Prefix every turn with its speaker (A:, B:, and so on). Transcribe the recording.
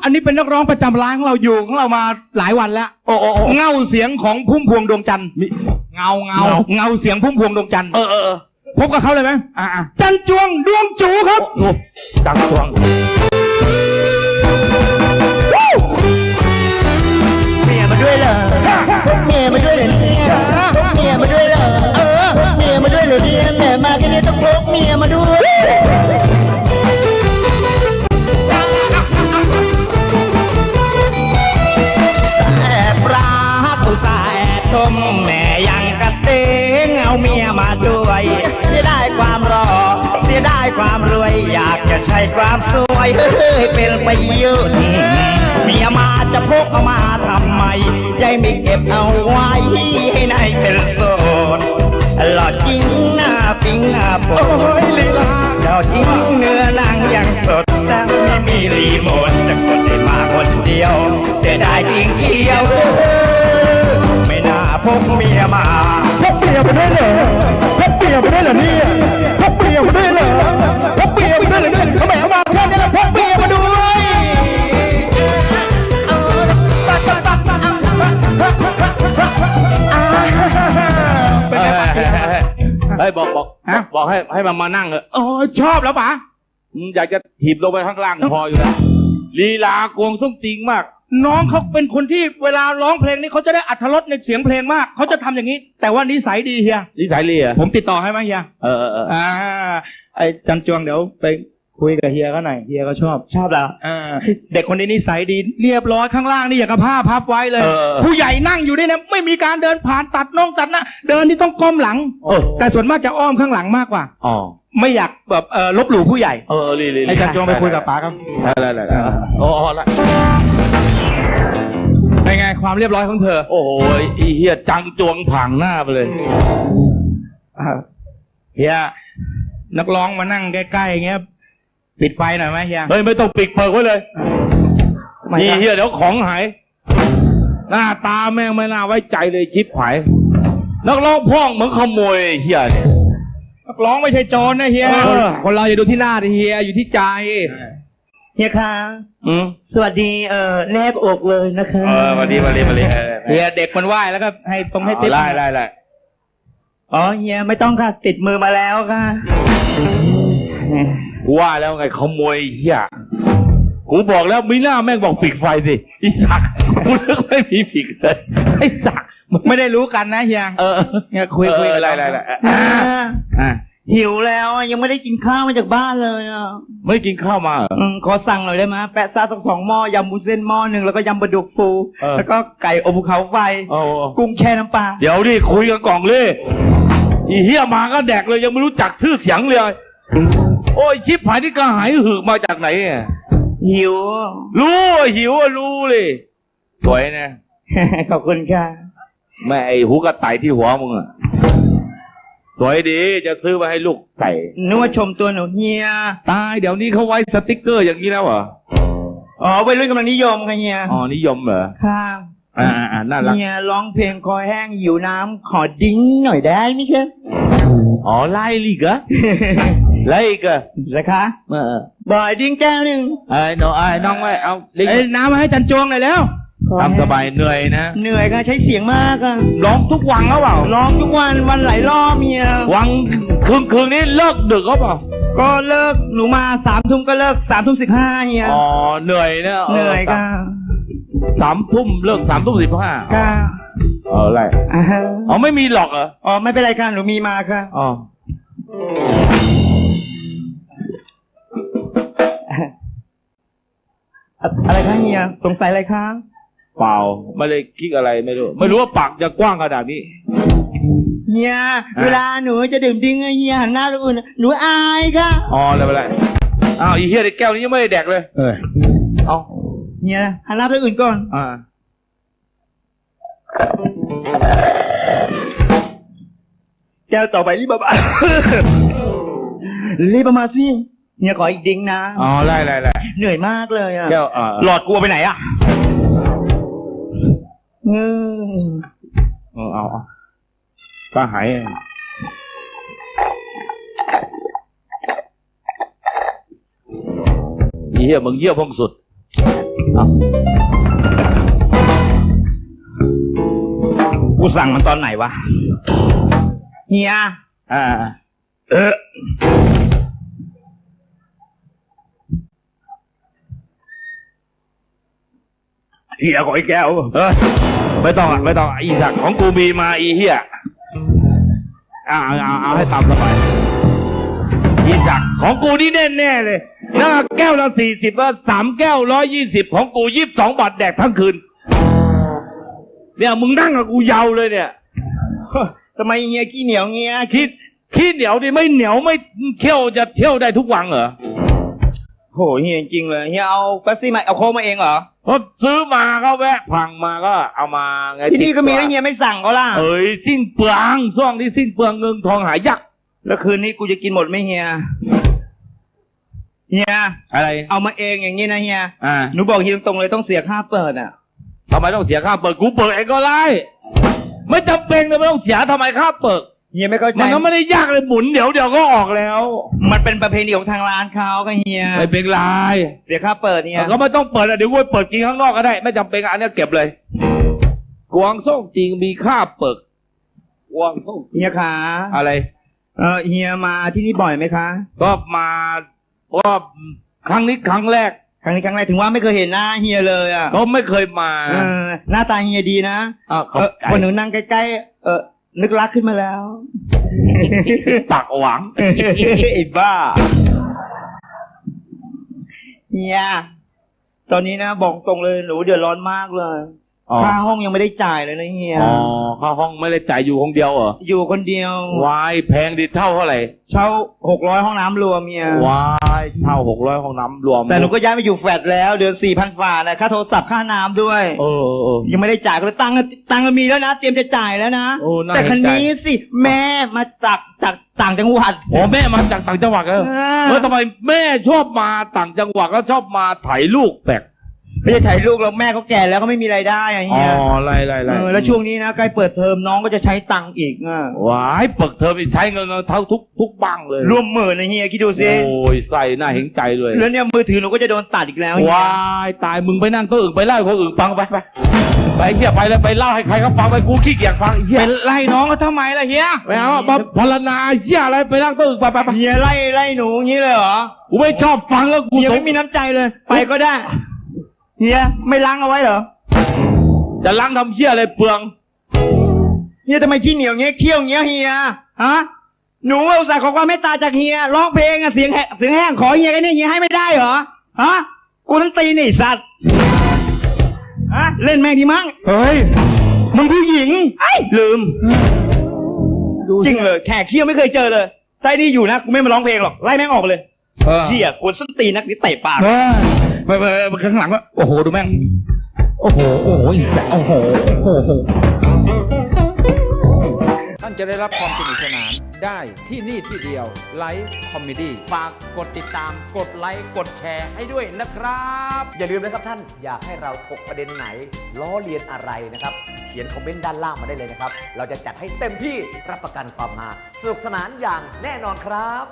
A: อันนี้เป็นนักร้องประจำร้านของเราอยู่ของเรามาหลายวันแล้วโอ้เงาเสียงของพุ่มพวงดวงจันทร์เงาเสียงพุ่มพวงดวงจันทร์พบกับเขาเลยไหมจันจวงดวงจูครับ
B: จันจวง
C: เมียมาด้วยเหรอเมียมาด้วยเหรอเมียมาด้วยเหรอเมียมาด้วยเหรอเนี่ยแม่มาแค่นี้ต้องพกเมียมาด้วยชมแม่ยังกระเตงเอาเมียมาด้วยเสียได้ความรอเสียได้ความรวยอยากจะใช้ความสวยเป็นประโยชน์เมียมาจะพกเอามาทำไมยายไม่เก็บเอาไว้ให้นายเป็นโสดหล่อจริงหน้าปิ้งหน้าโปยลีลาหล่อจริงเนื้อนางยังสดแต่ไม่มีรีโมทจะกดได้มาคนเดียวเสียดายจริงเชียวไม่น่าพกเมียมาพกเมียมาด้วยเหรอพกเมียมาด้วยเหรอเนี่ยพกเมียมาด้วยเหรอพกเมียมาด้วยเหรอเนี่ยเขาแหมมาแค่นี้แล้วพกเมียมาด้วย
B: บอกให้มานั่งเถอะ
A: ชอบแล้วป๋า
B: อยากจะถีบลงไปข้างล่างพออยู่แล้วลีลากวงส้มติงมาก
A: น้องเขาเป็นคนที่เวลาร้องเพลงนี้เขาจะได้อรรถรสในเสียงเพลงมากเขาจะทำอย่างนี้แต่ว่านิสัยดีเฮีย
B: นิสัยดีอ่ะ
A: ผมติดต่อให้ไหมเฮียไอ้จันจวงเดี๋ยวไปคุยกับเฮียเขาหน่อยเฮียก็ชอบแล้วเด็กคนนี้นิสัยดีเรียบร้อยข้างล่างนี่อย่างกับผ้าพับไว้เลยผู้ใหญ่นั่งอยู่ด้วยนะไม่มีการเดินผ่านตัดน้องตัดนะเดินที่ต้องก้มหลังแต่ส่วนมากจะอ้อมข้างหลังมากกว่าไม่อยากแบบลบหลู่ผู้ใหญ่ไอ้จันจวงไปคุยกับป๋าครับ
B: อะไร
A: เป็นไงความเรียบร้อยของเธอ
B: โอ้โหไอ้เฮียจังจวงผางหน้าไปเลย
A: เฮียนักร้องมานั่งใกล้ๆอย่างเงี้ยปิดไฟหน่อยไหมเฮีย
B: เฮ้ยไม่ต้องปิดเปิดไว้เลยนี่เฮียเดี๋ยวของหายหน้าตาแม่งไม่น่าไว้ใจเลยชิบหายนักร้องพ่องเหมือนขโมยเฮียเนี่ย
A: นักร้องไม่ใช่โจรนะเฮีย
B: คนเราอย่าดูที่หน้าดิเฮียอยู่ที่ใจ
C: เฮียคะสวัสดีแนบอกเลยนะคะ
B: สวัสดี
A: เฮียเด็กมันไหว้แล้วก็ให้ตรงให้ติด
B: ไล่
C: เฮียไม่ต้องค่ะติดมือมาแล้วค่ะ
B: ว่าแล้วไงขโมยเฮียกูบอกแล้วมีหน้าแม่งบอกปิดไฟสิอีสักกูนึกไม่มีปิดเลยไอ้สัก
A: ไม่ได้รู้กันนะเฮียเฮียคุย
B: อะไร
C: หิวแล้วยังไม่ได้กินข้าวมาจากบ้านเลย
B: ไม่กินข้าวมา
C: ขอสั่งหน่อยได้ไหมแปะซาสัก2 หม้อยำบุญเส้นหม้อ 1แล้วก็ยำปลาดุกฟูแล้วก็ไก่อบภูเขาไฟกุ้งแช่น้ำปลา
B: เดี๋ยวดิคุยกันก่อนเลยอีเฮียมาก็แดกเลยยังไม่รู้จักชื่อเสียงเลยโอ้ยชิบหายที่กระหายหือมาจากไหน
C: หิว
B: รู้เลยสวยนะ
C: ขอบคุณค่ะ
B: แม่ไอ้หูกระต่ายที่หัวมึงอะสวยดีจะซื้อมาให้ลูกใส่
C: นึกว่าชมตัวหนูเฮีย
B: ตายเดี๋ยวนี้เขาไว้สติ๊กเกอร์อย่างนี้แล้วเหรอ
C: วัยรุ่นกำลังนิยมกันเฮีย
B: นิยมเหรอ
C: ค่ะ
B: น่ารัก
C: เฮียร้องเพลงคอแห้งหิวน้ำขอดิ้งหน่อยได้ไหมครับ
B: ไล่ลีกะไล่กะ
C: นะคะบ่อยดิ้งแก้วนึง
B: น้องไว้เอา
A: น้ำมาให้จันจวงหน่อยแล้ว
B: ทำสบายเหนื่อยนะ
C: เหนื่อยค่ะใช้เสียงมากอะ
B: ร้องทุกวันเขาเปล่า
C: ร้องทุกวันหลายรอบเมีย
B: วันคืนนี้เลิกดึกเขาเปล่า
C: ก็เลิกหนูมา3 ทุ่มก็เลิก3:15เนี่ย
B: เหนื่อยนะ
C: เหนื่อยค่ะ
B: 3 ทุ่มเลิก3:15
C: ค่ะ
B: อะไรไม่มีหรอกเหรอ
C: ไม่เป็นไรค่ะหนูมีมาค่ะอะไรคะเฮียสงสัยอะไรคะ
B: เปล่าไม่ได้คิดอะไรไม่รู้ว่าปากจะกว้างขนาดนี้
C: เฮียเวลาหนูจะดื่มดิ้งเฮียหันหน้าตัวอื่นหนูอายค่ะ
B: อะไรอีเฮียในแก้วนี้ยังไม่ได้แดกเลย
C: เฮียหันหน้าตัวอื่นก่อนแก้วต่อไปรีบมาสิเนี่ยขออีกดิ้งนะ
B: ไล่
C: เหนื่อยมากเลย
B: แก้วหลอดกลัวไปไหนเอาป้าหายเหี้ยมึงเยี่ยพงสุด
C: กูสั่งมันตอนไหนวะเฮีย
B: เฮียขออีกแก้วไม่ต้องอีสักของกูมีมาอีเฮียเอาให้ตามสบายอีสักของกูนี่แน่เลยนะแก้วละ40แล้ว3 แก้ว120ของกู22 บาทแดกทั้งคืนเนี่ยมึงนั่งกับกูยาวเลยเนี่ย
C: ทำไมเฮียขี้เหนียวเฮีย
B: ขี้เหนียวดิไม่เหนียวไม่เที่ยวจะเที่ยวได้ทุกวันเหรอ
C: โหเฮียจริงเลยเฮียเอาเป๊ปซี่มาเอาโค้กมาเองเหรอ
B: พอซื้อมาก็แวะพังมาก็เอามาไง
C: ที่นี่ก็มีแล้วเฮียไม่สั่งเขาล่ะ
B: สิ้นเปลืองช่วงที่สิ้นเปลืองเงินทองหายาก
C: แล้วคืนนี้กูจะกินหมดไหมเฮีย
B: อะไร
C: เอามาเองอย่างนี้นะเฮียหนูบอกเฮียตรงๆเลยต้องเสียค่าเปิดอ่ะ
B: ทำไมต้องเสียค่าเปิดกูเปิดเองก็ได้ไม่จำเป็นเลยไม่ต้องเสียทำไมค่าเปิด
C: เฮียไม่เข้าใจ
B: มันก็ไม่ได้ยากเลยหมุนเดี๋ยวก็ออกแล้ว
C: มันเป็นประเพณีของทางร้านเขาก็เฮีย
B: ไม่เป็นไร
C: เสียค่าเปิดเนี่ย
B: ก็ไม่ต้องเปิดเดี๋ยวกูเปิดกินข้างนอกก็ได้ไม่จำเป็นอันนี้เก็บเลยกวางส้มจริงมีค่าเปิดกวางส้ม
C: เฮียขา
B: อะไร
C: เฮียมาที่นี่บ่อยไหมคะ
B: ก็มาก็ครั้งนี้ครั้งแรก
C: ถึงว่าไม่เคยเห็นหน้าเฮียเลยอ่ะ
B: ก็ไม่เคยมา
C: หน้าตาเฮียดีนะคนหนูนั่งใกล้ๆนึกรักขึ้นมาแล้ว
B: ปากหวัง
C: ไอ้บ้าเฮียตอนนี้นะบอกตรงเลยหนูเดือดร้อนมากเลยค่าห้องยังไม่ได้จ่ายเลยนะเฮีย
B: ค่าห้องไม่ได้จ่ายอยู่คนเดียวเหรอ
C: อยู่คนเดียว
B: วายแพงดิเช่าเท่าไหร่
C: เช่า600ห้องน้ำรวมเฮียว
B: ายเช่า600ห้องน้ำรวม
C: แต่หนูก็ย้ายมาอยู่แฟลตแล้วเดือน 4,000 ฝ่านะค่าโทรศัพท์ค่าน้ำด้วยยังไม่ได้จ่ายก็เลยตังค์มีแล้วนะเตรียมจะจ่ายแล้วนะแต่คันนี้สิแม่มาจากต่างจังหวัด
B: แม่มาจากต่างจังหวัดแล้วทำไมแม่ชอบมาต่างจังหวัดแล้วชอบมาถ่ายลูกแปลก
C: ไม่ใช่ถ่ายลูกแล้วแม่เขาแก่แล้วก็ไม่มีรายได้อะไรเงี้ย
B: ไร
C: แล้วช่วงนี้นะใกล้เปิดเทอมน้องก็จะใช้ตังค์อีก
B: ว้ายเปิดเทอมใช้เงินเท่าทุกบังเลย
C: ร่วมหมื่นนะเฮียคิดดูสิ
B: โอ้ยใส่หน้าเห็นใจเลย
C: แล้วเนี่ยมือถือหนูก็จะโดนตัดอีกแล้ว
B: ว้ายตายมึงไปนั่งตัวอื่นไปเล่าคนอื่นฟังไปเฮียไปเลยไปเล่าให้ใครเขาฟังไปกูขี้เกียจฟังเฮีย
C: เป็นไล่น้องเขาทำไมล่ะเฮีย
B: ไม่เอามาพรณนาเฮียอะไรไปนั่งตัวอื่นไป
C: เฮียไล่หนูงี้เลยเหรอ
B: กูไม่ชอบฟังแล้วกู
C: ไม่มีน้ำใจเลยไปก็ได้เฮียไม่ล้างเอาไว้เหรอ
B: จะล้างทำเฮียอะไรเปลือง
C: เฮียทำไมขี้เหนียวเงี้ยเคี้ยวเงี้ยเฮียหนูอุตส่าห์ขอความเมตตาจากเฮียร้องเพลงเสียงแห้งขอเฮียกันนี่เฮียให้ไม่ได้เหรอกูต้องตีนี่สัตว์เล่นแม่งดีมั้ง
B: เฮ้ยมึงผู้หญิง
C: ลืมจริงเลยแขกเคี้ยวไม่เคยเจอเลยใต้นี่อยู่นะกูไม่มาร้องเพลงหรอกไล่แม่งออกเลยเฮียกูส้นตีนักนี่เตะปาก
B: ไปข้างหลังว่าโอ้โหดูแม่งโอ้โหโอ้โห
D: ท่านจะได้รับความสนุกสนานได้ที่นี่ที่เดียวไลฟ์คอมเมดี้
E: ฝากกดติดตามกดไลค์กดแชร์ให้ด้วยนะครับอย่าลืมนะครับท่านอยากให้เราถกประเด็นไหนล้อเลียนอะไรนะครับเขียนคอมเมนต์ด้านล่างมาได้เลยนะครับเราจะจัดให้เต็มที่รับประกันความฮาสนุกสนานอย่างแน่นอนครับ